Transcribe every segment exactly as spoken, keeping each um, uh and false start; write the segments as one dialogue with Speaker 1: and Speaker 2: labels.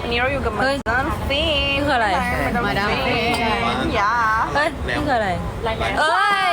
Speaker 1: วันนี้เราอยู่กับมาดามฟิน
Speaker 2: คืออะไร
Speaker 1: มาดามฟินยา
Speaker 2: เฮ้ยนี่คืออะไรเอ้ย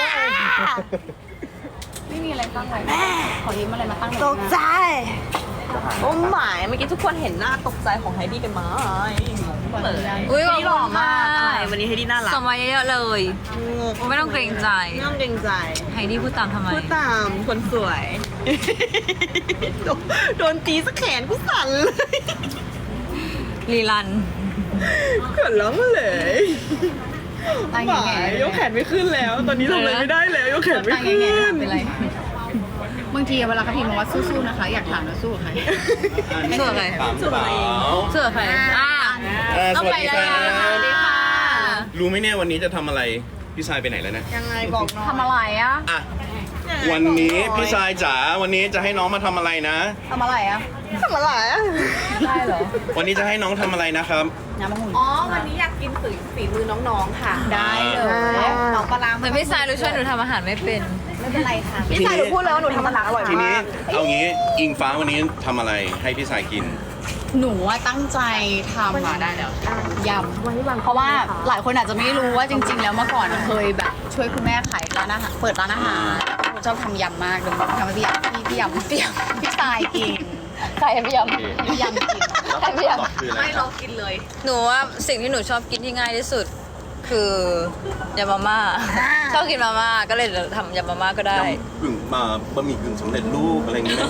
Speaker 3: ไม่มีอะไรตั้งไว้ขอยืมอะไรมาตั้ง
Speaker 1: ตกใจโอ้หมายเมื่อกี้ทุกคนเห็นหน้าตกใจของไฮดี้กันไหมเปิด
Speaker 2: อุ้ย
Speaker 1: ไฮดี้หล่อมากอะไรวันนี้ไฮดี้น่ารัก
Speaker 2: ส่งมาเยอะๆเลยไม่ต้องเกรงใจ
Speaker 1: ไม่ต้องเกรงใจ
Speaker 2: ไฮดี้พูดตามทำไม
Speaker 1: พูดตามคนสวย โดนโดนตีสักแขนกูสั่นเลย
Speaker 2: ลีลัน
Speaker 1: เขินร้องเลย
Speaker 3: ตั้ง
Speaker 1: ห
Speaker 3: แง่
Speaker 1: มายยกแขนไม่ขึ้นแล้ว ตอนนี้ทำอะไรไม่ได้แล้วยกแขนไม่
Speaker 3: ตั้ง
Speaker 1: ขึ้น
Speaker 3: แง่เป็นไรบางทีเวลาเขาพิมพ์มาว่าสู้ๆนะคะ อยากถามว่าสู้กับใคร
Speaker 2: เสื้อใคร
Speaker 1: สวย
Speaker 2: เสื้อใครอ่า
Speaker 4: อ่า
Speaker 2: ต้
Speaker 4: ส
Speaker 2: อง
Speaker 4: วัส
Speaker 2: ไป
Speaker 4: ดี
Speaker 2: แล้ว
Speaker 4: ครั
Speaker 2: สวัสดี
Speaker 4: บ
Speaker 2: ค่ะ
Speaker 4: รู้ไหมเนี่ยวันนี้จะทำอะไร พี่ชายไปไหนแล้วนะ
Speaker 1: ยังไงบอกน้อง
Speaker 3: ทำอะไรอ่ะ
Speaker 4: อ่ะ วันนี้พี่ชายจ๋า วันนี้จะให้น้องมาทำอะไรนะ
Speaker 3: ทำอะไรอ่ะ
Speaker 1: ทำอะไรอ่ะ
Speaker 3: ได้เหรอ
Speaker 4: วันนี้จะให้น้องทำอะไรนะครับ
Speaker 3: น้ำมะม่วง
Speaker 1: อ๋อ วันนี้อยากกินฝีฝีมือน้องๆค่ะ
Speaker 3: ได้เลย
Speaker 1: น้องปลาร้า
Speaker 2: แต่พี่สายรู้ช่วยหนูทำอาหารไม่เป็น
Speaker 3: ไม่เป็นไรค่ะ
Speaker 1: พี่ชายหนูพูดเลยว่าหนูทำอาหารอร่อย
Speaker 4: ทีนี้
Speaker 1: มาก
Speaker 4: เอางี้อิงฟ้าวันนี้ทำอะไรให้พี่ชายกิน
Speaker 3: หนูว่าตั้งใจทำมาได้แล้วยำเพราะว่าหลายคนอาจจะไม่รู้ว่าจริง ๆ แล้วเมื่อก่อนเคยแบบช่วยคุณแม่ขายร้านอาหารเปิดร้านอาหารชอบทำยำมากเลยทำให้พี่ยำพี่พี่ยำพี่ยำพี่ชายกินใครพี่ยำพี่ยำกินใครพี่ยำ
Speaker 4: คืออะไร
Speaker 1: ไม่
Speaker 4: ค
Speaker 1: ล
Speaker 4: รั
Speaker 1: อบ งกินเลย
Speaker 2: หนูว่าสิ่งที่หนูชอบกินที่ง่ายที่สุด คือยำมาม่าชอบกินมาม่าก็เลยทำยำมาม่าก็ได้
Speaker 4: ยำกึ่งมาบะหมี่กึ่งสำเร็จรูปอะไรอย่างเงี้ย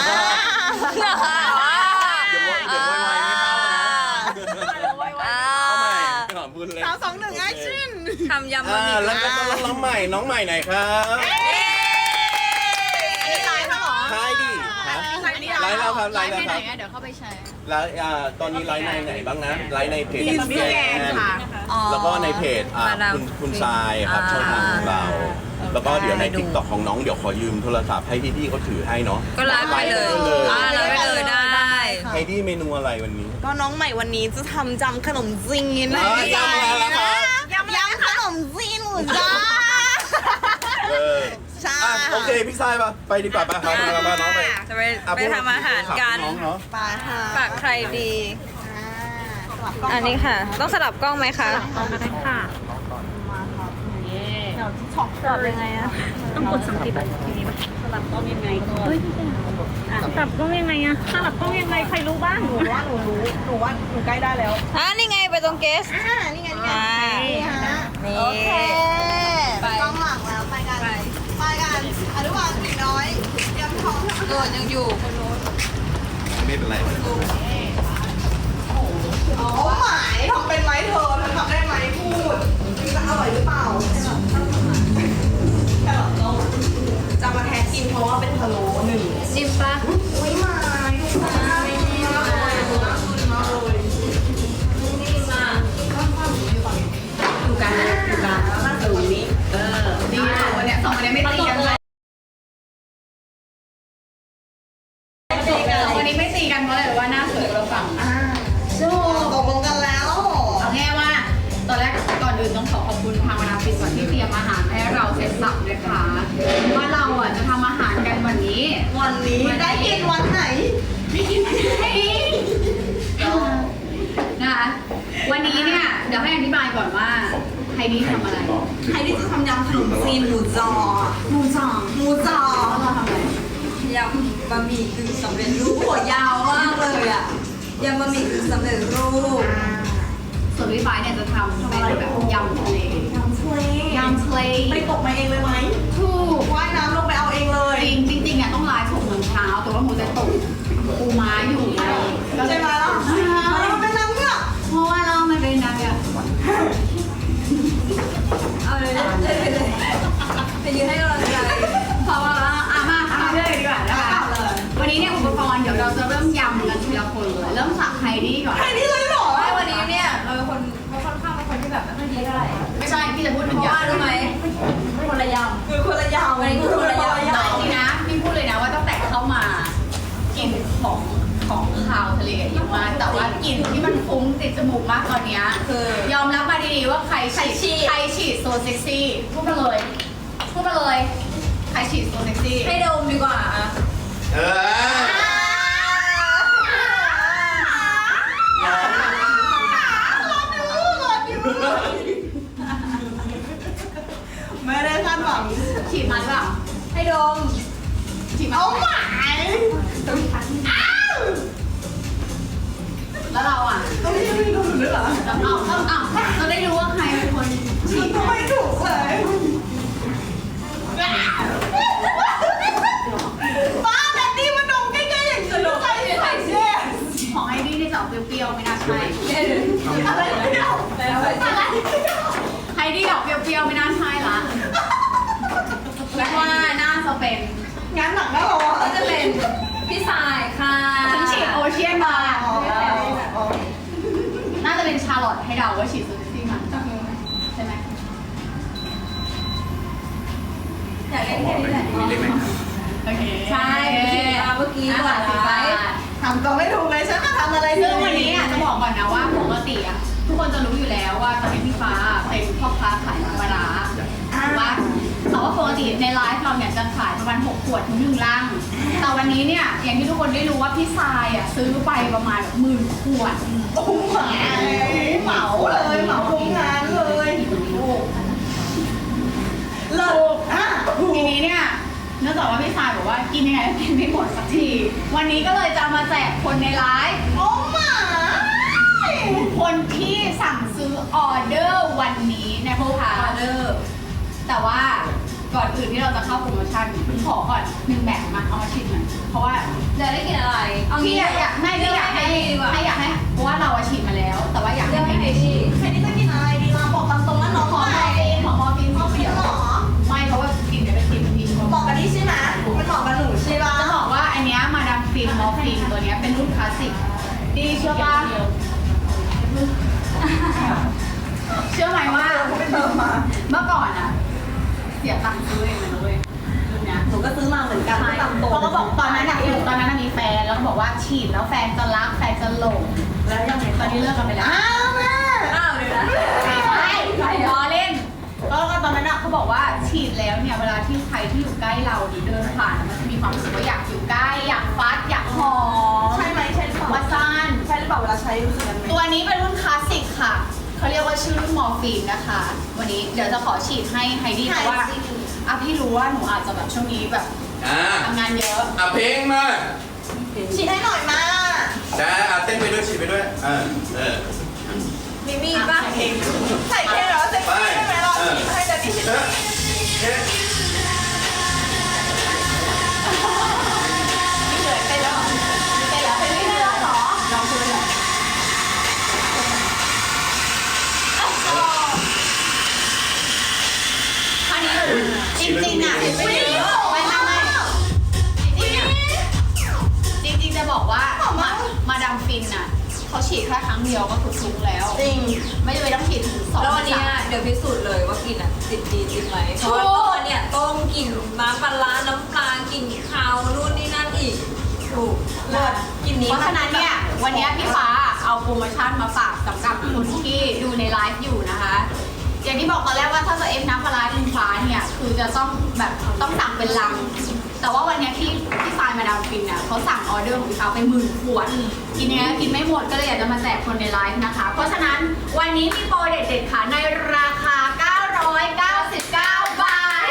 Speaker 4: เดี๋ยวไว้เดี๋ยวไว้ไว้ไม่เข้านะเอาใหม่ก่อนพูดเลย
Speaker 1: สามสองหนึ่งแอคชั่น
Speaker 2: ทำยำบะ
Speaker 4: อ่า
Speaker 2: หมี่
Speaker 4: แล้วก็ต้องน้องใหม่ น้องใหม่ไหนครับ
Speaker 1: อันนี้ไลฟ์เหรอ
Speaker 4: ใช่ดิฮะ
Speaker 1: ไลฟ์นี่
Speaker 4: ไลฟ์แล้วครับไล
Speaker 3: ไล
Speaker 4: ฟ์
Speaker 3: ฟ์
Speaker 4: แล้ว
Speaker 3: ไป
Speaker 4: ค
Speaker 3: ไหน
Speaker 4: รับ
Speaker 3: อ่ะเดี๋ยวเข้าไปแชร์
Speaker 4: แล้วอ่าตอนนี้ไลฟ์ในไหนบ้างนะ ไลฟ์ในเพจ
Speaker 1: อินสตาแกรมค่ะ
Speaker 4: แล้วก็ในเพจอ่าคุณคุณทรายครับช่องทางของเรา แล้วก็เดี๋ยวในทิกตอกของน้องเดี๋ยวขอยืมโทรศัพท์ให้พี่ๆเขาถือให้เนาะ
Speaker 2: ก็ไลฟ์ไปเลยอ่าไลฟ์ไปเลยได้
Speaker 4: ให้ที่เมนูอะไรวันนี้
Speaker 1: ก็น้องใหม่วันนี้จะทำจำขนมจีน
Speaker 4: เอ้ยยำอะไรล่ะครับ
Speaker 1: ยำยำขนมจีนหมูจ้า
Speaker 4: เออ
Speaker 1: ใช่
Speaker 4: อ่ะโอเคพี่ทรายปะไปดีกว่าปะครับมามาน้องไป
Speaker 2: จะไป
Speaker 4: อ่ะ
Speaker 2: ไปทำอาหารกัน
Speaker 4: น้องเนาะ
Speaker 1: ปลาค่ะ
Speaker 2: ฝากใครดี
Speaker 1: อ่า
Speaker 2: อันนี้ค่ะ ต้องสลับกล้องไหมคะ
Speaker 1: สลับยังไงอะ
Speaker 5: ต้องกดสามสิบแบบทีนี้ป่ะสลับกล้องยังไงเฮ้ยสลับกล้องยังไงอะสลับกล้องยังไงใครรู้บ้าง
Speaker 1: หนูว่าหนูรู้หนูว่าหนูใกล้ได้แล้ว
Speaker 2: อ่านี่ไงไปตรงเกส
Speaker 1: อ่านี่ไงนี่ไง
Speaker 2: อ่า
Speaker 1: นี่ฮะ
Speaker 2: นี่
Speaker 1: โอเคไปกล้องหลังแล้วไปกันไปกันอนุบาลสีน้อยเตรียมท้อง
Speaker 2: โดดยังอยู่คนโน้น
Speaker 4: ไม่เป็นไร
Speaker 1: อ๋อหมายทำเป็นไหมเธอเธอทำได้ไหมพูดจะอร่อยหรือเปล่าแค่หรอต้องจะมาแทนกินเพราะว่าเป็นพะโล้หนึ่ง
Speaker 2: จิ้มปะ
Speaker 1: อุ้ยหมายดูนะน่ากินมากเลยน่ากินมากเลย
Speaker 3: ดูกันดูกันมาสูงนี้เออดีสองคนเนี้ยสองคนเนี้ยไม่ตีกันเลยสองคนนี้ไม่ตีกันเพราะอะไรว่าหน้าสวยเราฝั่ง
Speaker 1: อ่าสู้ตกลงกันแล้ว
Speaker 3: เอาแง่ว่าตอนแรกก่อนอื่นต้องขอขอบคุณทางวรรณฟินก่อนที่เตรียมอาหารให้เราเสร็จสับนะคะว่าเราอ่ะจะทำอาหารกันวันนี้
Speaker 1: วันนี้ได้กินวันไหน
Speaker 3: ไม่กินไม่กินนะคะวันนี้เนี่ยเดี๋ยวให้อธิบายก่อนว่าไฮดี้ทำอะไร
Speaker 1: ใครที่จะทำยำขนมจีนหมูจอ
Speaker 3: หมูสอง
Speaker 1: หมูจอ
Speaker 3: แล้วเราทำอะไร
Speaker 2: ยำบะหมี่กึ่งสำเร็จรูปหัวยาวมากเลยอ่ะยำบะหมี่กึ่งสำเร็จรูป
Speaker 3: ส่วนพี่ฟ้าเนี่ยจะทำเป็นแบบยำทะเลย
Speaker 1: ำทะเลย
Speaker 3: ำทะเล
Speaker 1: ไปตกมาเองเลยไหม
Speaker 3: ถูก
Speaker 1: ว่ายน้ำลงไปเอาเองเลย
Speaker 3: จริงจริงๆอ่ะต้องไลฟ์หกโมงเช้าแต่ว่าหมูจะตกปูม้าอยู่ก็เล
Speaker 1: ใช่
Speaker 3: ย
Speaker 1: ไหมล่ะมันเป็นน้ำเงือก
Speaker 3: เพราะว่าเรามันเป็นนางแบบ
Speaker 2: เอาเลยเลยเลยเลยไปยืนให้กำลังใจ
Speaker 3: เพราะว่าอ่ะมาทำเลยดีกว่านะคะวันนี้เนี่ยอุปกรณ์เดี๋ยวเราจะเริ่มยำกันทีละคนเลยเริ่มจากไฮดี้ก่อน
Speaker 1: ใครนี่เลยเหรอ
Speaker 2: ไม่วันนี้เนี่ยเราเป็นคนเราค่อนข้างเป็นคนที่แบบไม่ค่อยดีเท่าไหร่
Speaker 3: ไม่ใช่พี่จะพูด
Speaker 2: เพ
Speaker 3: ถึง
Speaker 2: ราะ
Speaker 3: ยำ
Speaker 2: ว่ารู้ไหมคนละย
Speaker 1: คือคนละยาว
Speaker 2: วันนี้คือคนละยาว
Speaker 3: แต่จริงๆนะพี่พูดเลยนะว่าตั้งแต่เข้ามากลิ่นของของคาวทะเลเยอะมากแต่ว่ากลิ่นที่มันฟุ้งติดจมูกมากตอนเนี้ย
Speaker 2: ำคือย
Speaker 3: อมรับมาดีๆว่าใครฉีดใครฉีดโซเซ็กซี่พูดมาเลยพูดมาเลยใครฉีดโซเซ็กซี่
Speaker 2: ให้ดมดีกว่าอะ
Speaker 4: เออ
Speaker 2: ย
Speaker 3: ฉีดมาหมายแล้วเราอ่ะต้องไม่รู้หรือเปล่าเอาเอาเอาเราได้รู้ว่าใครเป็นคนฉีดไม่ถูกเลยป้าแต่นี่มันดมใกล้ๆอย่างนี้ใครใครเช่ของไอ้นี่ที่จะออกเปรี้ยวๆไม่น่าใช่อะไรเปรี้ยวไอ้นี่ออกเปรี้ยวๆไม่น่าใช่ละแล้วว่าน่าจะเป็นงานหนักแล้วเหรอก็จะเป็นพี่สายค่ะฉันฉีดโอเชียนมาน่าจะเป็นชาร์ลอตให้เดาว่าฉีดซูซี่มาใช่ไหมอยากเล่นแค่นี้แหละโอเคใช่ฉีดมาเมื่อกี้ก่อนไปทำก็ไม่ถูกเลยฉันมาทำอะไรซึ่งวันนี้อ่ะจะบอกก่อนนะว่าปกติอ่ะทุกคนจะรู้อยู่แล้วว่าตอนนี้พี่ฟ้าเป็นพ่อค้าขายน้ำปลาร้าว่าแต่ว่าปกติในไลฟ์เราเนี่ยจะขายประมาณหกขวดถึงหนึ่งลังแต่วันนี้เนี่ยอย่างที่ทุกคนได้รู้ว่าพี่ทรายอ่ะซื้อไปประมาณหมื่นขวดโอ้โหเหมาเลยเหมาโรงงานเลยเลิกอ่ะทีนี้เนี่ยเนื่องจากว่าพี่ทรายบอกว่ากินยังไงกินไม่หมดสักทีวันนี้ก็เลยจะมาแจกคนในไลฟ์โอ้หมาคนที่สั่งซื้อออเดอร์วันนี้ในโพสต์ออเดอร์แต่ว่าก่อนอื่นที่เราจะเข้าโปรโมชั่นขอก่อนหนึ่งแบบมาเอามาชิมหน่อยเพราะว่าจะได้กินอะไรเอาพี่อยากให้พี่อยากให้ให้อยากให้เพราะว่าเราชิมมาแล้วแต่ว่าอยากให้ใครดีใครดีจะกินอะไรดีมาบอกตามตรงแล้วน้องขอมอร์ฟีนขอมอร์ฟีนขอเดี๋ยวไม่เพราะว่ากินเดี๋ยวเป็นกินทีบอกกันนี่ใช่ไหมมันเหมาะกับหนูใช่ป่ะจะบอกว่าอันนี้มาดามฟินมอร์ฟีนตัวนี้เป็นรุ่นคลาสสิกดีเชื่อป่ะเชื่อไหมว่าเมื่อก่อนอะเสียตังค์ซื้อเองเลยนะเว้ยรุ่นเนี้ยหนูก็ซื้อมาเหมือนกันเพราะก็บอกตอนนั้นอะตอนนั้นมีแฟนแล้วก็บอกว่าฉีดแล้วแฟนจะรักแฟนจะหลงแล้วยังไงตอนนี้เลิกกันไปแล้วอ้าวแม่อ้าวเลยนะไม่ใช่ใช่ล้อเล่นแล้วก็ตอนนั้นอะเขาบอกว่าฉีดแล้วเนี่ยเวลาที่ใครที่อยู่ใกล้เราหรือเดินผ่านมันจะมีความรู้สึกว่าอยากอยู่ใกล้อยากฟัดอยากหอมใช่ไหมใช่หรือเปล่าว่าซ่านใช่หรือเปล่าเวลาใช้รู้สึกยังไงตัวนี้เป็นรุ่นคลาสสิกค่ะเขาเรียกว่าชื่อรุ่นมอร์ฟีนนะคะวันนี้เดี๋ยวจะขอฉีดให้ไฮดี้เพราะว่าอ่ะพี่รู้ว่าหนูอาจจะแบบช่วงนี้แบบทำงานเยอะ
Speaker 4: อ่ะเพลงมา
Speaker 3: ฉีดให้หน่อยมา
Speaker 4: ได้อ่ะเต้นไปด้วยฉีดไปด้วยเออเออ
Speaker 3: มีมีป่ะใส่เพลงเหรอใส่เพลงใช่ไหมเราฉีดให้จะมีฉีดไม่เหนื่อยเต้นแล้วเต้นแล้วเต้นไม่ได้หรอลองดูหน่อยจริงๆอ่ะไม่ไม่ไม่ไม่จริงๆอ่ะจริงๆจะบอกว่ามามาดามฟินอ่ะเขาฉีดแค่ครั้งเดียวก็คือทุกแล้วจริงไม่จำเป็นต้องฉีดถึงสอง
Speaker 2: แล้ววันนี้เดี๋ยวพิสูจน์เลยว่ากินอ่ะติดดีจริงไหมเพราะว่าตอนเนี่ยต้มกลิ่นน้ำปลาร้าน้ำปลากลิ่นข้าวนู่นนี่นั่นอีกถูกเลิศกลิ่นนี้เพราะฉะนั้นเนี่ยวันนี้พี่ฟ้าเอาโปรโมชั่นมาฝากสำหรับคนที่ดูในไลฟ์อยู่นะคะอย่างที่บอกตอนแรกว่าถ้าจะเอฟน้ำปลาร้าอินฟ้าเนี่ยคือจะต้องแบบต้องสั่งเป็นลังแต่ว่าวันนี้ที่ที่ฟายมาดามฟินเนี่ยเขาสั่งออเดอร์ของเขาไปหมื่นขวดกินเนี้ยกินไม่หมดก็เลยอยากจะมาแจกคนในไลฟ์นะคะเพราะฉะนั้นวันนี้มีโปรเด็ดๆค่ะในราคาเก้าร้อยเก้าสิบเก้าบาท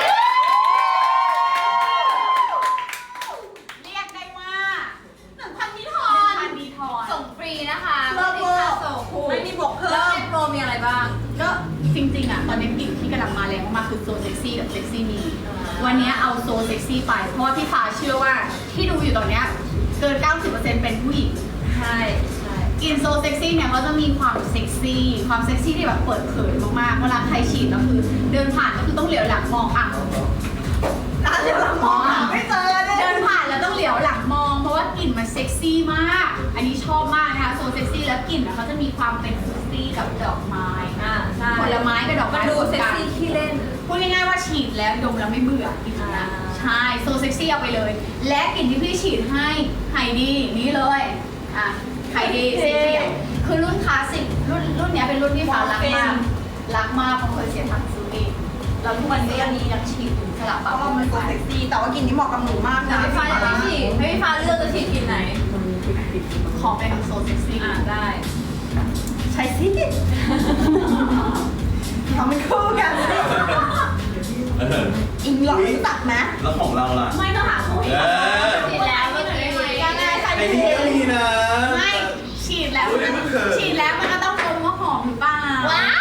Speaker 2: เรียกได้ว่าหนึ่งพันมิทอนหนึ่งพันมิทอนส่งฟรีนะคะไม่มีค่าส่งไม่มีบวกเพิ่มแล้วในโปรมีอะไรบ้างก็จริงๆอ่ะตอนนี้กลิ่นที่กำลังมาแรงมากๆคือโซเซ็กซี่กับเซ็กซี่มีวันนี้เอาโซเซ็กซี่ไปเพราะว่าพี่ฟ้าเชื่อว่าที่ดูอยู่ตอนนี้เกิน เก้าสิบเปอร์เซ็นต์ เป็นผู้หญิงใช่ใช่กลิ่นโซเซ็กซี่เนี่ยเขาจะมีความเซ็กซี่ความเซ็กซี่ที่แบบเปิดเผยมากๆเวลาใครฉีดก็คือเดินผ่านก็คือต้องเหลียวหลังมองอ่ะเหลียวหลังมองไม่เจอเดินผ่านแล้วต้องเหลียวหลังมองเพราะว่ากลิ่นมันเซ็กซี่มากอันนี้ชอบมากนะคะโซเซ็กซี่แล้วกลิ่นเขาจะมีความเป็นฟรุตตี้กับดอกไม้ผลไม้กับดอกไม้ดูเซ็กซี่ขี้เล่นพูดง่ายๆว่าฉีดแล้วดมแล้วไม่เบื่อกลิ่นนะใช่โซเซ็กซี่เอาไปเลยและกลิ่นที่พี่ฉีดให้ไฮดี้นี่เลยอ่ะไฮดี้สีเขียวคือรุ่นคลาสสิกรุ่นรุ่นนี้เป็นรุ่นที่ฟ้ารักมากรักมากเพราะเคยเสียตังค์ซื้อเองแล้วทุกวันนี้ยังมียังฉีดอยู่สลับเพราะว่ามันเซ็กซี่แต่ว่ากลิ่นนี้เหมาะกับหนูมากนะพี่ฟ้าจะฉีดให้พี่ฟ้าเลือกจะฉีดกลิ่นไหนขอเป็นโซเซ็กซี่อ่ะได้ใช่สิทำเป็นคู่กันอิงหลอกรู้จักไหม
Speaker 4: แล้วของเราล่ะ
Speaker 3: ไม่ต้องหาคู่
Speaker 4: เออ
Speaker 2: ฉีดแล้วเมื่อกี้ยังไงใส่
Speaker 4: ไอ้นี่ก็มีนะ
Speaker 3: ไม่ฉีดแล้ว
Speaker 4: อุ๊ยมันเขิน
Speaker 3: ฉีดแล้วมันก็ต้องดมว่าหอมหรือเปล่า
Speaker 2: ว้าว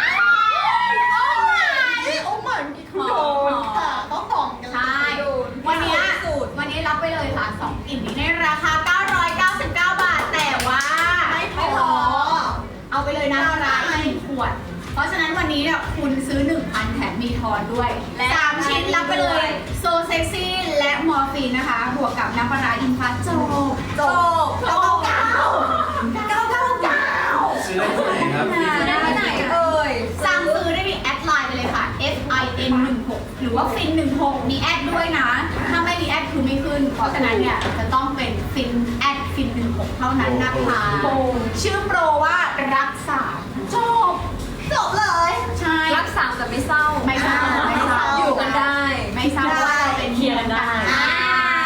Speaker 2: โอ้ my
Speaker 1: โอ้หมาเมื่อกี้คือโดนค่ะต้องหอมกัน
Speaker 3: ใช่ วันนี้วันนี้รับไปเลยค่ะสองกลิ่นนี้ในราคา เก้าร้อยเก้าสิบเก้า บาท แต่ว่า
Speaker 1: ไม่พอ
Speaker 3: เอาไปเลยนะร้านละหนึ่งขวด เพราะฉะนั้นวันนี้เนี่ยคุณซื้อ หนึ่งพัน แถมมีทอนด้วยสามชิ้นรับไปเลยโซเซ็กซี่และมอร์ฟีนนะคะ บวกกับน้ำปลาร้าอินพัสโจโจเก้าเก้าเก้าเก้าเก้า
Speaker 4: ซื้อได้ที่ไหนครับ
Speaker 3: ได้ที่ไหนเอ่ยสั่งซื้อได้ที่แอดไลน์ไปเลยค่ะ F I N หนึ่งหกหรือว่าฟินหนึ่งหกมีแอดด้วยนะ ถ้าไม่มีแอดคือไม่ขึ้น เพราะฉะนั้นเนี่ยจะต้องเป็นฟินแอดฟินหนึ่งหกเท่านั้นนะคะชื่อโปรว่ารักษาจบ
Speaker 1: จบเลย
Speaker 3: ใช่
Speaker 2: รักษาแต่ไม่เศร้า
Speaker 3: ไม่เศร้าไม่เศร้า
Speaker 2: อยู่กันได้
Speaker 3: ไม่เศร้าว่าเราเป็น
Speaker 5: เคลียร์กันได้
Speaker 3: อ่า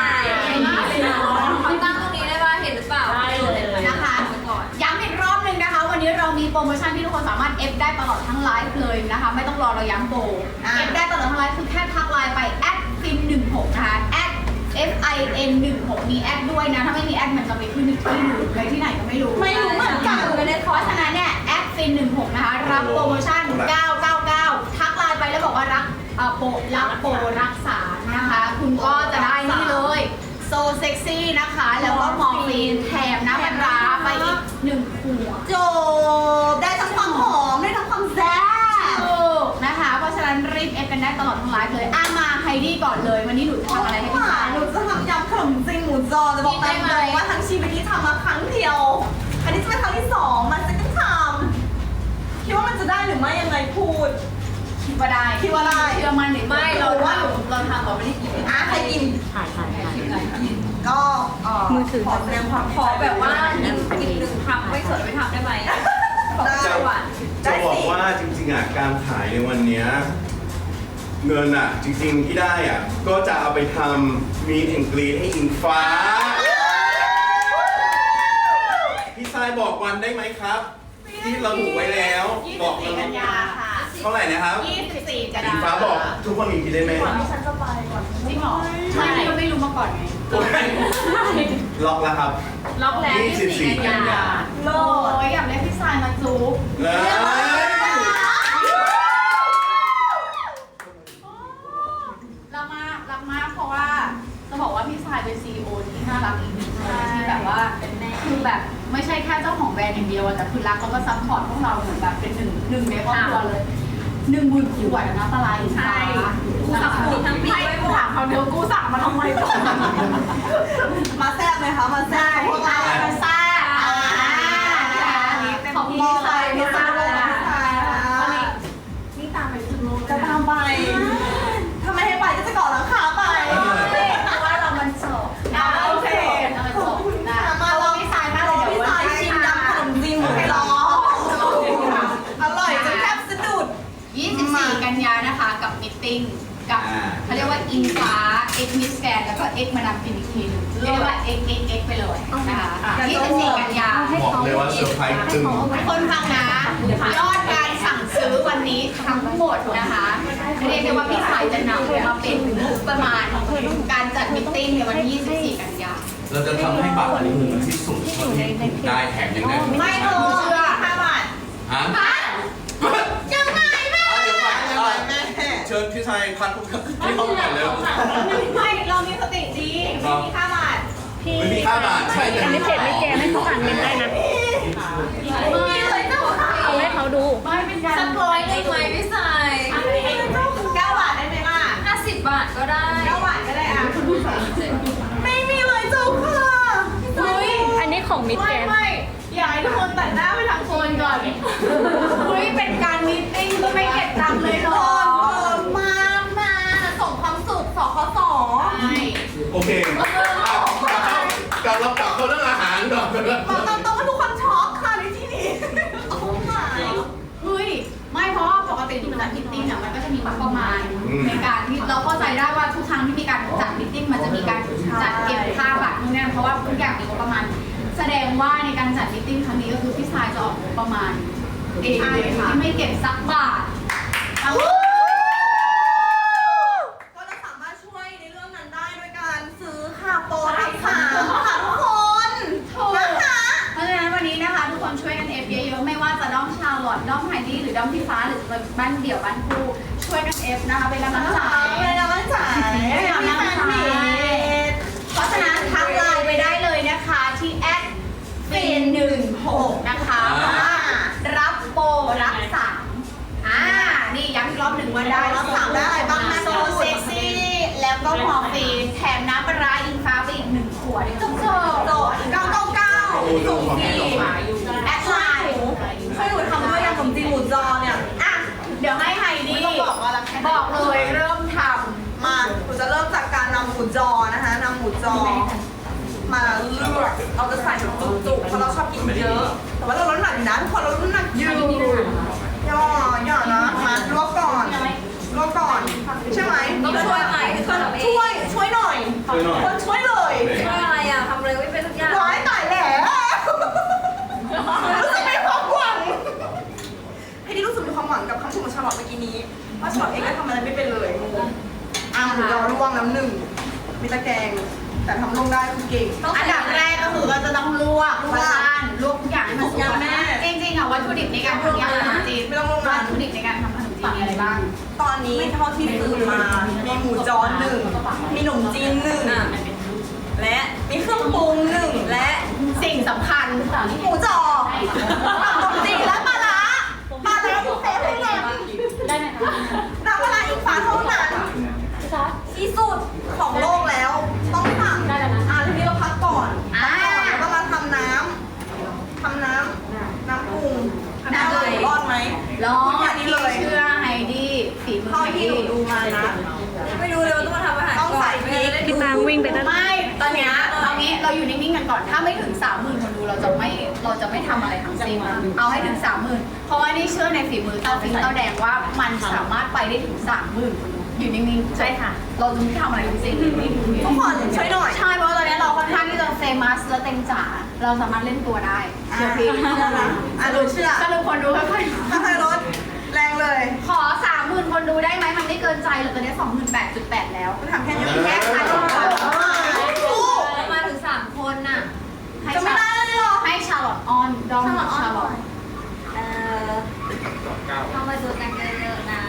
Speaker 2: เขาตั้งตรงนี้ได้ป่ะเห็นหรือเปล่า
Speaker 5: ได้เลย
Speaker 3: นะคะย้ำอีกรอบหนึ่งนะคะ วันนี้เรามีโปรโมชั่นที่ทุกคนสามารถเอฟได้ตลอดทั้งไลฟ์เลยนะคะ ไม่ต้องรอเราย้ำโปรเอฟได้ตลอดทั้งไลฟ์คือแค่ทักไลน์ไปแอดฟินหนึ่งหกนะคะแอด F I N หนึ่งหกมีแอดด้วยนะ ถ้าไม่มีแอดมันจะไปขึ้นที่อื่นเลยที่ไหนก็ไม่รู้
Speaker 1: ไม่รู้เหมือนกัน
Speaker 3: ไม่ได้เพราะฉะนั้นเนี่ยแอดฟินหนึ่งหกนะคะรับโปรโมชั่นเก้าเก้าเก้าทักไลน์ไปแล้วบอกว่ารักเอ่อโปรรับโปรรักษานะคะ คุณก็จะได้นี่เลยโซเซ็กซี่นะคะ แล้วก็มอร์ฟีนแถมน้ำมันร้าไปอีกหนึ่งขวด
Speaker 1: จบได้ทั้งความหอมได้ทั้งความแซ่บ
Speaker 3: ถูกนะคะ เพราะฉะนั้นรีบเอฟกันได้ตลอดทั้งไลฟ์เลยอ่ะมาไฮดี้ก่อนเลย วันนี้หนูจะทำอะไรให้พี่
Speaker 1: ห
Speaker 3: ชาย
Speaker 1: หนูจะทำยำขนมจีนหมูจอจะบอกตามตรงว่าทั้งชีวิตนี้ทำมาครั้งเดียว อันนี้จะเป็นครั้งที่สองมันจะต้องทำคิดว่ามันจะได้หรือไม่ยังไงพูด
Speaker 3: คิดว่าได้
Speaker 1: คิดว่าได้
Speaker 3: เชื่อมั่นในตัว
Speaker 2: ไม่เราว่าเราทำเราไม่ได้กิน
Speaker 1: อ่ะใครกิน
Speaker 5: ถ่ายถ่ายถ่าย
Speaker 1: ก็เอ่อ
Speaker 5: มือถือ
Speaker 1: ขอแสดงความ
Speaker 2: ขอแบบว่าหนึ่งกินหนึ่งคำไม่สดไม่ทำได้ไหมขอ
Speaker 1: ได้
Speaker 2: จังหวะ
Speaker 4: จะบอกว่าจริงๆอ่ะการขายในวันเนี้ยเงินอ่ะจริงๆที่ได้อ่ะก็จะเอาไปทำมีแอนกรีนให้อิงฟ้า พี่ทรายบอกวันได้ไหมครับ ที่ระบุไว้แล้วบอก
Speaker 3: ยี่สิบสี่กันยาค่ะ
Speaker 4: เท่าไหร่นะครับ
Speaker 3: ยี่สิบสี่กัน
Speaker 4: อิ
Speaker 3: ยาง
Speaker 4: ฟ้าบอกทุกคนมีคิดได้ไหม
Speaker 1: ฉันจะไปก่อน
Speaker 3: จริงเหรอไม่เราไม่รู้มาก่อนไง
Speaker 4: ล็อกแล้วครับ
Speaker 2: ล็อกแล้ว
Speaker 4: ยี่สิบสี่
Speaker 2: กันยา
Speaker 3: โลยอยากได้พี่ชายมาจุ๊บ
Speaker 4: เลย
Speaker 3: รักมากรักมากเพราะว่าจะบอกว่าพี่ชายเป็นซีอีโอที่น่ารักอีกหนึ่งคนที่แบบว่าคือแบบไม่ใช่แค่เจ้าของแบรนด์อย่างเดียวอะแต่คือรักแล้วก็ซัพพอร์ตพวกเราเหมือนแบบเป็นหนึ่งหนึ่งในครอบครัวเลยหนึ่งหมื่นขวดนะปลาไหลใช่กูสั่งกูทั้งปีไม่กูถามเขาเดียวกูสั่งมาทำไมก่อน
Speaker 1: มาแซ่บไหมคะมาแซ่บพวกเรา
Speaker 3: มาซ่าขอบคุณพี่ชายพี่ชายเลยนะ
Speaker 1: นี่ตามไปถึงโลจะตามไปถ้าไม่ให้ไปก็จะก่อหลังคาไป
Speaker 3: เพราะว่าเรามันจบ
Speaker 1: โอเค
Speaker 3: เรามัน
Speaker 1: ข
Speaker 3: จ
Speaker 1: อบบ คุณ
Speaker 3: นะ
Speaker 1: ค่ะมาลอง
Speaker 3: พี่ชายมากเลยเดี๋ยว
Speaker 1: พี่ชายชิมยำขนมจีนหมูล้ออร่อยจนแทบสะดุด
Speaker 3: ยี่สิบสี่กันยานะคะกับมิทติ้งกับเขาเรียกว่าอินฟ้าเอ็กมิสแกนแล้วก็เอ็กมาดามฟินอีกทีหนึงเรียกได้ว่าเอ็กเอ็กเอ็กไปเลยนะคะยี่สิบสี่กันยา
Speaker 4: บอกเลยว่าเซอร์ไพรส์ตึง
Speaker 3: คนฟังนะยอดการสั่งซื้อวันนี้ทั้งหมดนะคะเรียกได้ว่าพี่ชายจะนำมาเป็นงบประมาณการจัดมิทติ้งในวันที่ยี่สิบสี่กันยา
Speaker 4: เราจะทำให้บัตรอันนี้เหมือนที่สุดเท่าที่ได้แถมยังได้
Speaker 1: ไม่ถูกเชื่อห้าบาท
Speaker 4: ฮะ
Speaker 3: ยังไงแม่
Speaker 4: อ่ะเดี๋ยวก่อน
Speaker 1: ยัง
Speaker 4: อ่ะ
Speaker 1: ไงแม่
Speaker 4: เชิญพี่ชายพันธุ์ที่ห้องก่อนเร็ว
Speaker 1: ไม่เรามีสติดีไม่มีค่าบาท
Speaker 5: พี่
Speaker 4: ไม่มีค่าบาทใช่
Speaker 5: อันนี้เพจไม่แกไม่เขาอ่านเมนได้นะ
Speaker 1: มีเลยเจ้าค่ะ
Speaker 5: เอาให้เขาดู
Speaker 3: ไม่เป็นการ
Speaker 2: สักร้อยหนึ่งไหมพี่สาย
Speaker 1: เก้าบาทได้ไหมล่ะ
Speaker 2: ห้าสิบบาทก็ได้
Speaker 1: เก้าบาทก็ได้อ่ะไม่มีเลยเจ้าค่ะ
Speaker 3: เฮ้ย
Speaker 5: อันนี้ของมิสแก
Speaker 1: ไม่
Speaker 5: น
Speaker 1: ไม่อยากให้ทุกคนตัดหน้าไปทางโซนก่อน
Speaker 3: เฮ้ยเป็นการมีตติ้งก็ไม่เก็บตังค์เลยเหร
Speaker 1: โซ
Speaker 3: อน
Speaker 1: มา มาส่งความสุขสคส
Speaker 3: ใช่
Speaker 4: โอเคอ่ะกลับเรากลับเขาเรื่องอาหารก่อน
Speaker 1: บอกตามตรงว่าทุกคนช็อกค่ะในที่นี้โอ้ my
Speaker 3: เฮ้ยไม่เพราะว่าปกติทุกจัดมิทติ้งอ่ะมันก็จะมีงบประมาณในการที่เราเข้าใจได้ว่าทุกครั้งที่มีการจัดมิทติ้งมันจะมีการจัดเก็บค่าบัตรนู่นนี่เพราะว่าทุกอย่างมีงบประมาณ แสดงว่าในการจัดมิทติ้งครั้งนี้ก็คือพี่ชายจะออกงบประมาณเองเลยที่ไม่เก็บสักบาททั้งหมด
Speaker 1: ก็เราสามารถช่วยในเรื่องนั้นได้ด้วยการซื้อค่ะ
Speaker 3: คนช่วยกันเอฟเยอะๆไม่ว่าจะด้อมชาลอตด้อมไฮดี้หรือด้อมพี่ฟ้าหรือบ้านเดี่ยวบ้านคู่ช่วยกันเอฟนะคะเป็นกำลังใจ
Speaker 1: เป็นกำลังใจ
Speaker 3: เป็นกำลังใจเพราะฉะนั้นทักไลน์ไปได้เลยนะคะที่แอดฟินหนึ่งหกนะคะรับโปรรับสามอ่านี่ย้ำอีกรอบหนึ่งว่าได้
Speaker 1: รับสามได้อะไรบ้างแม่
Speaker 3: โซเซ็กซี่แล้วก็มอร์ฟีนแถมน้ำปลาร้าอิงฟ้าไปอีกหนึ่งขวดจบจบ
Speaker 1: โดดเก้าเก้าเก้าส่งฟรี
Speaker 3: แอดไลน์
Speaker 1: ช่วยหนูทำด้วยยำขนมจีนหมูจอเนี่ย
Speaker 3: อ่ะเดี๋ยวให้ไฮดี้
Speaker 1: ไม่ต้องบอกว่ารักแค่ไหน
Speaker 3: บอกเลยเริ่มท
Speaker 1: มาหนูจะเริ่มจากการนำหมูจอนะคะนำหมูจอ มาเลือกเราจะใส่แบบจุกๆเพราะเราชอบกินเยอะ แต่ว่าเราลดน้ำหนักอยู่นะทุกคนเราลดน้ำหนักอยู่ย่อย่อนะมาลวกก่อนลวกก่อนใช่ไหม
Speaker 2: ต้องช่วยไหมช่วยทำเอง
Speaker 1: ช่วยช่วยหน่อย
Speaker 4: ช่วยหน่อย
Speaker 1: คนช่วยเลย
Speaker 2: ช่วยอะไรอ่ะทำอะไรไม่เป็นทุกอย่าง
Speaker 1: ร้ายตายแล้วรู้สึกมีความหวังให้ที่รู้สึกมีความหวังกับคำชมของชาลอตเมื่อกี้นี้ว่าชาลอตเองก็ทำอะไรไม่เป็นเลยงงอ่ะหมูยอลวกน้ำหนึ่งมีตะแกรงแต่ทำลงได้คือเก่ง
Speaker 3: ำอันดับแรกก็คือเราจะต้องลวกลวกบ้านลวกทุกอย่างให้มันสุก
Speaker 1: แม่
Speaker 3: จริงๆอ่ะวัตถุดิบในการทำยำขนมจีน
Speaker 1: ไม่ต้องลง
Speaker 3: วั
Speaker 1: มา
Speaker 3: ตถุดิบในการทำขนมจีนมีอะไรบ้าง
Speaker 1: ตอนนี้เท่าที่ซื้อมา มีหมูจอหนึ่ง มีขนมจีนหนึ่ง และมีเครื่องปรุงหนึ่ง และ
Speaker 3: สิ่งสำคัญ
Speaker 1: หมูจอขนมจีนและปลาร้าปลาร้าที่เซฟให้เลยน้ำปลาร้าอีกฝาเท่านั้นที่สุดของโลกแล้ว ต้องสั่งอ่ะทีนี้เราพักก่อน
Speaker 3: อ่า
Speaker 1: พักก่อนแล้วก็มาทำน้ำทำน้ำน้ำปรุงน้ำเลยรอดไหม
Speaker 3: รอ
Speaker 1: พูดอย่าง
Speaker 3: ที่
Speaker 1: นี้เลย
Speaker 3: เชื่อไฮดี้ฝีมือ
Speaker 1: เท่า
Speaker 3: ไฮ
Speaker 1: ที่
Speaker 3: ดี้
Speaker 1: หนูดูมานะ
Speaker 2: ไม่รู้เลยว่าต้องมาทำอาหาร
Speaker 1: ต้องใส่พริก
Speaker 5: พี่ตางวิ่งไปด้าน
Speaker 3: ไม่ตอนเนี้ยเอางี้เราอยู่นิ่งๆกันก่อนถ้าไม่ถึงสามหมื่นคนดูเราจะไม่เราจะไม่ทำอะไรทั้งสิ้นเอาให้ถึงสามหมื่นเพราะว่านี่เชื่อในฝีมือเต้าฟิงเต้าแดงว่ามันสามารถไปได้ถึงสามหมื่นคนดูอยู่นิ่งๆใช่ค่ะ เราจะไม่ทำอะไรทั้งสิ้น
Speaker 1: ทุกคนช่วยหน่อย
Speaker 3: ใช่เพราะตอนนี้เราค่อนข้างที่จะเฟมัสและเต็มจ๋าเราสามารถเล่นตัวได้เชื่อพี่
Speaker 1: อ่ะหนูเชื่อ
Speaker 3: สรุปคนดูค่อย
Speaker 1: ถ้าใครลดแรงเลย
Speaker 3: ๆขอสามหมื่นคนดูได้ไหมมันไม่เกินใจหรอกตอนนี้สองหมื่นแปดจุดแปดแล้ว
Speaker 1: คุณทำแค่นี้
Speaker 3: แค่ขายของก่อน
Speaker 2: มาถึงสามคนน่ะ
Speaker 3: ให้
Speaker 1: จะไม่
Speaker 3: ชา
Speaker 1: ได้เลยหรอ
Speaker 3: ให้ชาลอตออนดองชาลอต
Speaker 2: เอ่อเข้ามาดูกันเยอะๆนะ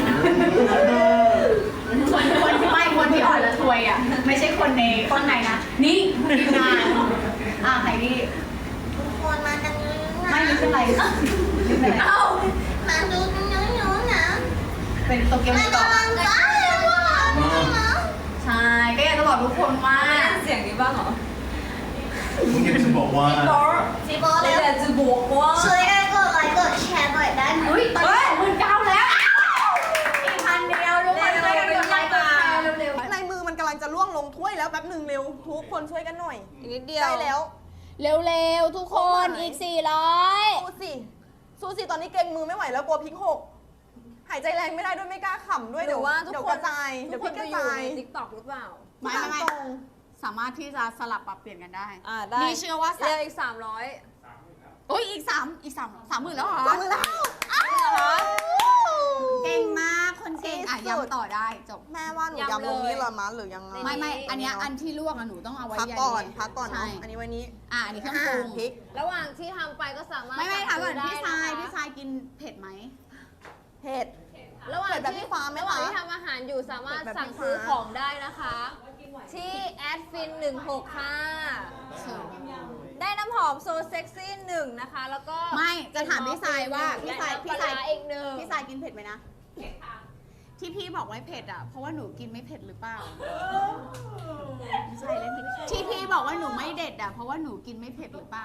Speaker 3: คนคนที่ไม่คนที่อ่อนละทวยอ่ะไม่ใช่คนในข้างในนะนี่ทีมงานอ่ะใครนี่
Speaker 1: ทุกคนมากันเยอะ
Speaker 3: ไม่ไม่เป็นไรไม่เป็นไร
Speaker 1: เอ้ามาดูกันเยอะๆนะ
Speaker 3: เป็นโตเกียวมิโกะ
Speaker 1: ได้เลยว่ะ
Speaker 3: ใช่ก็อยากจะบอกทุกคนว่า
Speaker 2: เสียงนี้บ้างเหรอ
Speaker 6: คุณอยากจะบอกว่า
Speaker 1: พี่บอส
Speaker 2: เลยแต่จะบอกว่า
Speaker 1: ช่วยกันกดไลค์กดแชร์หน่อยได้ไหม
Speaker 3: อุ้ยตอนนี้สองหมื่นเก้าแล้วอีกพันเดียวทุกคนช่วยกันกดไลค์กดแชร์เร็ว
Speaker 1: ในมือมันกำลังจะล่วงลงถ้วยแล้วแป๊บหนึ่งเร็วทุกคนช่วยกันหน่อย
Speaker 2: อีกนิดเดียว
Speaker 1: ได้แล้ว
Speaker 3: ๆเร็วๆทุกคนอีกสี่ร้อย
Speaker 1: สู้สิสู้สิตอนนี้เกรงมือไม่ไหวแล้วกลัวพริกหกหายใจแรงไม่ได้ด้วยไม่กล้าขำด้วย
Speaker 2: หรื
Speaker 1: เดี๋ย
Speaker 2: อ
Speaker 1: ว
Speaker 2: ว่าทุก
Speaker 1: เดี๋ยว
Speaker 2: ค
Speaker 1: ก
Speaker 2: น
Speaker 1: ระจาย
Speaker 2: ทุ
Speaker 1: เดี๋
Speaker 2: ก
Speaker 1: ยว
Speaker 2: ค
Speaker 1: พริ
Speaker 2: น
Speaker 1: กก
Speaker 2: จะ
Speaker 1: ระ
Speaker 2: อยู่
Speaker 1: จาย
Speaker 2: ในทิกตอกหรือเปล่า
Speaker 3: ไม่ไม่ไม่
Speaker 1: ตรง
Speaker 3: สามารถที่จะสลับปรับเปลี่ยนกันได้
Speaker 2: อ่าได้
Speaker 3: นี่เชื่อว่า
Speaker 2: เรียกอีกสามร้อย
Speaker 3: โอ้ยอีกสามอีกสามสามหมื่นแล้วเหรอ
Speaker 1: จำมือแล้วอ้าว
Speaker 3: เก่งมากคนเก่งอ่ะ
Speaker 1: ที่สุด
Speaker 3: ย้ำต่อได้จบ
Speaker 1: แม่ว่าหนูยำลงนี่เหรอมะหรือยังไง
Speaker 3: ไม่ไม่อันเนี้ยอันที่ลวกอะหนูต้องเอาไว้
Speaker 1: พัก
Speaker 3: ใย
Speaker 1: ก่อน
Speaker 3: นี้
Speaker 1: พักก่อน
Speaker 3: ใช่
Speaker 1: เนาะอันนี้ไว้นี้
Speaker 3: อ่ะอันนี้เครื่องปรุง
Speaker 1: พริก
Speaker 2: ระหว่างที่ทำไปก็สามารถ
Speaker 3: ไม่ไม่ถามก่อน
Speaker 2: สั่ง
Speaker 3: พี่
Speaker 2: ซื้
Speaker 3: ชาย
Speaker 2: ได้นะคะ
Speaker 3: พี่ชายกินเผ็ดไหม
Speaker 1: เผ็ด
Speaker 2: ระหว่าง
Speaker 1: เปิดแบบ
Speaker 2: ที่
Speaker 1: พี่ฟ้าไหม
Speaker 2: ระหว่าง
Speaker 1: คะ
Speaker 2: ที่ทำอาหารอยู่สามารถ
Speaker 1: เปิดแบบ
Speaker 2: สั่ง
Speaker 1: พี่
Speaker 2: ซื้อ
Speaker 1: ฟ้า
Speaker 2: ของได้นะคะ ที่แอดฟินหนึ่งหกค่ะ ได้น้ำหอมโซเซ็กซี่หนึ่งนะคะ แล้วก็
Speaker 3: ไม่จะถามพี่ชายว่าพี่ชาย
Speaker 2: และ
Speaker 3: พี่ชาย
Speaker 2: น้ำปลร้อีกหนึ่ง
Speaker 3: พี่ชายกินเผ็ดไหมนะที่พี่บอกไว้เผ็ดอ่ะเพราะว่าหนูกินไม่เผ็ดหรือเปล่าไม่ใช่แล้วที่พี่บอกว่าหนูไม่เด็ดอ่ะเพราะว่าหนูกินไม่เผ็ดหรือเปล่า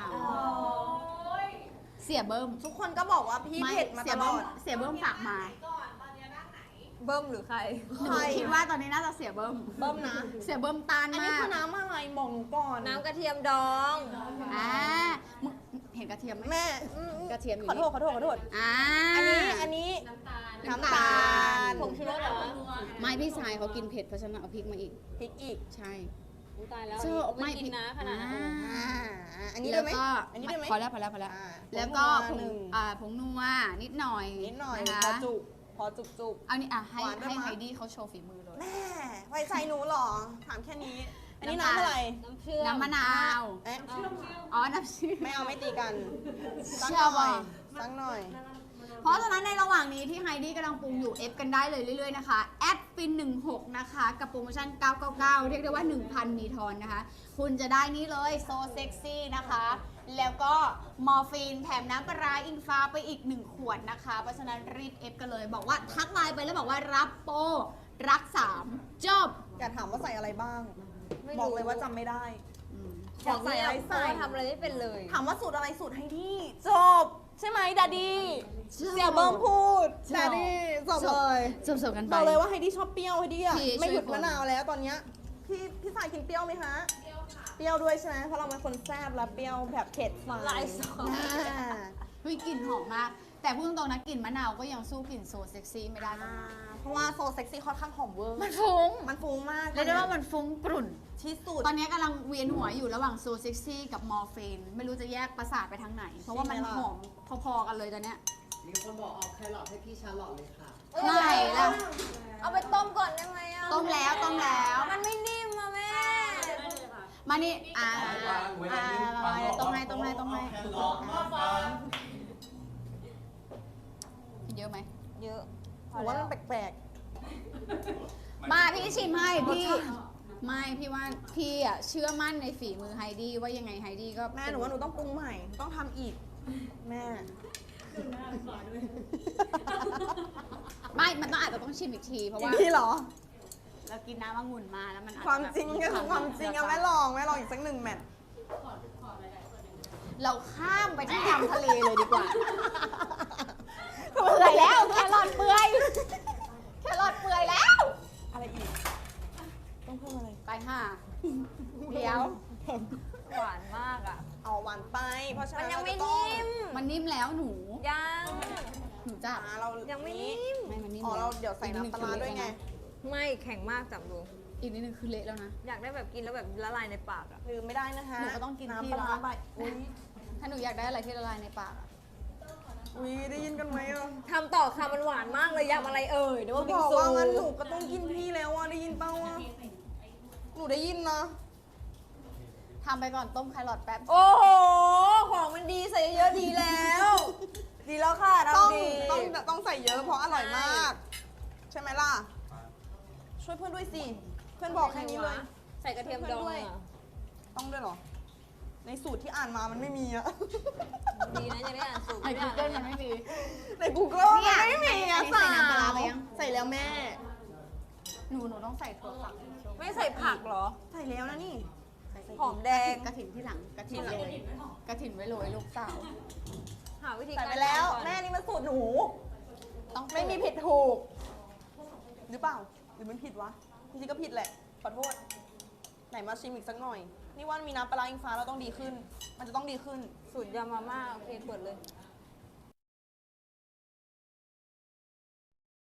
Speaker 3: เสียเบิ้ม
Speaker 1: ทุกคนก็บอกว่าพี่เผ็ดมา
Speaker 3: เสี
Speaker 1: ต
Speaker 3: ย
Speaker 1: ล
Speaker 3: เบิ้
Speaker 1: อ
Speaker 3: ม
Speaker 1: ด
Speaker 3: เสียเบิ้มฝากมา
Speaker 2: เบิ้มหรือใคร
Speaker 3: หนูคิดว่าตอนนี้น่าจะเสียเบิ้ม
Speaker 1: เบิ้มนะ
Speaker 3: เสียเบิ้มตาน
Speaker 1: อันนี้
Speaker 3: มาก
Speaker 1: คือน้ำอะไรบอกหนูก่อน
Speaker 2: น้ำกระเทียมดอง
Speaker 3: อ่ามึงเห็นกระเทียมไหม
Speaker 1: แม่อืม
Speaker 3: กระเทียมอยู่
Speaker 1: ขอโทษขอโทษขอโทษ
Speaker 3: อ่า
Speaker 1: อันนี้อันนี้น้ำตาล
Speaker 2: ผงชูรสเหรอ
Speaker 3: ไม่พี่ชายเขากินเผ็ดเพราะฉะนั้นเอาพริกมาอีก
Speaker 1: พริกอีก
Speaker 3: ใช่
Speaker 2: อุ๊ยตายแล้ว
Speaker 3: เชื่อ
Speaker 2: ไม่กินนะขนาดนั้น
Speaker 3: อ่า
Speaker 1: อ่าอันนี้ได้ไหม
Speaker 3: แล้วก็
Speaker 1: อันนี้ได้ไหม
Speaker 3: พอแล้วพอแล้วพอแล้ว
Speaker 1: อ่า
Speaker 3: แล้วก็ผ
Speaker 1: ผง
Speaker 3: ง
Speaker 1: นัวหนึ่ง
Speaker 3: อ่าผงนัวนิดหน่อย
Speaker 1: นิดหน่อย
Speaker 3: นะ
Speaker 1: พอ
Speaker 3: คะ
Speaker 1: จุกพอจุกจุก
Speaker 3: เอานี่อ่ะให้
Speaker 1: หวานด้วย
Speaker 3: ให้
Speaker 1: มั้ย
Speaker 3: ไฮดี้เขาโชว์ฝีมือเลย
Speaker 1: แม่ไว้ใจหนูเหรอ ถามแค่นี้
Speaker 3: ไฮ
Speaker 1: อันนี้น้ำอะไร
Speaker 3: น้ำมะนาว
Speaker 1: เอ๊ะ
Speaker 3: อ๋อ น้ำเชื่อม
Speaker 1: ไม่เอาไม่ตีกันสัก
Speaker 3: เชื่
Speaker 1: ห
Speaker 3: อ
Speaker 1: น่
Speaker 3: ป่ะ
Speaker 1: อยสักหน่อย
Speaker 3: เพราะฉะนั้นในระหว่างนี้ที่ไฮดี้กำลังปรุงอยู่เอฟกันได้เลยเรื่อยๆนะคะแอดฟินหนึ่งหกนะคะ กับโปรโมชั่นเก้าเก้าเก้าเรียกได้ว่า หนึ่งพัน มีทอนนะคะ คุณจะได้นี่เลยโซเซ็กซี่นะคะ แล้วก็มอร์ฟีนแถมน้ำปลาร้าอิงฟ้าไปอีกหนึ่งขวดนะคะ เพราะฉะนั้นรีบเอฟกันเลย บอกว่าทักไลน์ไปแล้วบอกว่ารับโปรรักสามจบ
Speaker 1: อยากถามว่าใส่อะไรบ้าง บอกเลยว่าจำไม่ได้
Speaker 3: อืม
Speaker 1: อยากใส่อะไรใส่
Speaker 2: ทำอะไรไม่เป็นเลย
Speaker 1: ถามว่าสูตรอะไรสูตรให้ที่จบ ใช่ไหมดาดี้เสี่ยวเบิ้มพูดดาดี้จบเลย
Speaker 3: จบๆกันไป
Speaker 1: บอกเลยว่าไฮดี้ชอบเปรี้ยวไฮดี้อะ
Speaker 3: พี่
Speaker 1: ไม่หยุด
Speaker 3: ช่วยคน
Speaker 1: มะนาวแล้วตอนเนี้ยพี่พี่สายกินเปรี้ยวไหมคะเปรี้ยวค่ะเปรี้ยวด้วยใช่ไหมเพราะเราเป็นคนแซ่บและเปรี้ยวแบบเผ็ดหลายสอง
Speaker 3: เฮ้ยกลิ่นหอมมาก แต่พูดตรงๆนะกลิ่นมะนาวก็ยังสู้กลิ่นโซเซ็กซี่ไม่ได้นะ
Speaker 1: เพราะว่าโซเซ็กซี่ค่อนข้างหอมเวอร์
Speaker 3: มันฟุ้ง
Speaker 1: มันฟุ้งมาก
Speaker 3: เรียกได้ว่ามันฟุ้งกรุ่น
Speaker 1: ที่สุด
Speaker 3: ตอนนี้กำลังเวียนหัวอยู่ระหว่างโซเซ็กซี่กับมอร์ฟีนไม่รู้จะแยกประสาทไปทางไหน เพราะว่ามัน
Speaker 1: ใช่ไหมล่ะ
Speaker 3: หอมพอๆกันเลยตอนเนี้ย
Speaker 7: มีคนบอกเอาแครอทให้พี่ชาลอตเลยค่ะ
Speaker 3: ไม่แล้ว
Speaker 2: เอาไปต้มก่อนได้ไหมอ่ะ
Speaker 3: ต้มแล้วต้มแล้ว
Speaker 2: มันไม่นิ่มอ่ะแม่
Speaker 3: มานี่อ่าอ่ามาๆต้มให้ต้มให้ต้มให้กินเยอะไหม
Speaker 2: เยอะ
Speaker 1: ผมว่ามันแปลก
Speaker 3: มาพี่ชิมให้พี่ไม่พี่ว่าพี่อ่ะเชื่อมั่นในฝีมือไฮดี้ว่ายังไงไฮดี้ก็
Speaker 1: ๆแม่หนูว่าหนูต้องปรุงใหม่ ต้องทำอีก แม่
Speaker 3: ไม่ มันต้องอาจจะต้องชิมอีกทีเพราะ
Speaker 1: จริ
Speaker 3: ว่าง
Speaker 1: ที่เหรอ
Speaker 3: เรากินน้ำองุ่นมาแล้วมันอจจะ
Speaker 1: ความจริง
Speaker 3: แบบ
Speaker 1: ก็คือความจริงอะแม่ลองแม่ลองอีกสักหนึ่งแมตช์
Speaker 3: เราข้ามไปที่ยำทะเลเลยดีกว่า เปื่อยแล้วแครอทเปื่อยแครอทเปื่อยแล้ว
Speaker 1: อะไรอีก ต้องเพิ่มอะไร
Speaker 3: ไปค่ะเดี๋ยว
Speaker 2: หวานมากอ่ะ
Speaker 1: เอาหวานไป เพราะฉะ
Speaker 2: มั
Speaker 1: นั้น น
Speaker 2: ยังไม่
Speaker 1: เราจะต้อง
Speaker 2: นิ่ม
Speaker 3: มันนิ่มแล้วหนู
Speaker 2: ยัง
Speaker 3: หนูจะ
Speaker 1: อ่าเรา
Speaker 2: ยั
Speaker 1: ยัง
Speaker 2: ไม่นิ่ม
Speaker 3: ไม่มันนิ่ม
Speaker 1: อ๋อ
Speaker 3: แล้
Speaker 1: เราเดี๋ยวใส่น้ำปลาร้าด้วยไง
Speaker 2: ไม่แข็งมากจับดู
Speaker 3: อีกนิดนึงคือเละแล้วนะ
Speaker 2: อยากได้แบบกินแล้วแบบละลายในปากอ่ะ
Speaker 1: ลืมไม่ได้นะคะ
Speaker 3: หนูก็ต้องกินที่
Speaker 1: น้ำปลาร้า
Speaker 3: ละ
Speaker 1: ใบอุ้ย
Speaker 3: ถ้าหนูอยากได้อะไรที่ละลายในปากอะ
Speaker 1: อุ้ยได้ยินกันไหมอ่ะ
Speaker 2: ทำต่อค่ะมันหวานมากเลยยำอะไรเอ่ยเดี๋ยว
Speaker 1: เขา
Speaker 2: ว่าบิ
Speaker 1: บ
Speaker 2: ง
Speaker 1: อก
Speaker 2: ซู
Speaker 1: ว่างั้นหนูก็ต้องกินพี่แล้วอ่ะได้ยินเปล่าอ่ะหนูได้ยินนะ
Speaker 3: ทำไปก่อนต้มแครอทแป๊บ
Speaker 2: โอ้โห ของมันดีใส่เยอะๆดีแล้ว ดีแล้วค่ะ
Speaker 1: ต้อง
Speaker 2: ทำดี
Speaker 1: ต้องต้องใส่เยอะเพราะอร่อยมาก ใช่ไหมล่ะ ช่วยเพื่อนด้วยสิ เพื่อนบอกแค่นี้เลย
Speaker 2: ใส่กระเทียมดอง
Speaker 1: ด้วย
Speaker 2: อ่ะ
Speaker 1: ต้องด้วยเหรอ ในสูตรที่อ่านมามันไม่มีอะ
Speaker 2: ดีนะยังได้อ่านสูตร
Speaker 3: ใน
Speaker 2: ไม่ได้
Speaker 3: กู
Speaker 2: อ่าน
Speaker 3: เกิลมันไม่มี
Speaker 1: ใน Google
Speaker 3: เนี่
Speaker 1: มัน
Speaker 3: ย
Speaker 1: ไม่มีอะ
Speaker 3: อันนี้ใส่น้ำปลาร้าไปยัง
Speaker 1: ใส่แล้วแม่
Speaker 3: หนูหนูต้องใส่ถั่วฝัก
Speaker 2: ไม่ใส่ผักเหรอ
Speaker 1: ใส่แล้วนะนี่
Speaker 2: หอมแดง
Speaker 3: กระถิ่นที่หลังกระถิ่นเลยกระถิ่นไว้โรยลูกสาว
Speaker 2: หาวิธี
Speaker 1: ใส่
Speaker 2: การ
Speaker 1: ไปแล้ว
Speaker 2: ทำก่อน
Speaker 1: แม่นี่มันสูตรหนู
Speaker 3: ต้อง
Speaker 1: ไม่มีผิดถูก หรือเปล่า หรือมันผิดวะจริงๆก็ผิดแหละ ขอโทษ ไหนมาชิมอีกสักหน่อย นี่ว่ามีน้ำปลาร้าอิงฟ้าเราต้องดีขึ้น มันจะต้องดีขึ้น
Speaker 2: สูตรยำมาม่าโอเคเปิดเลย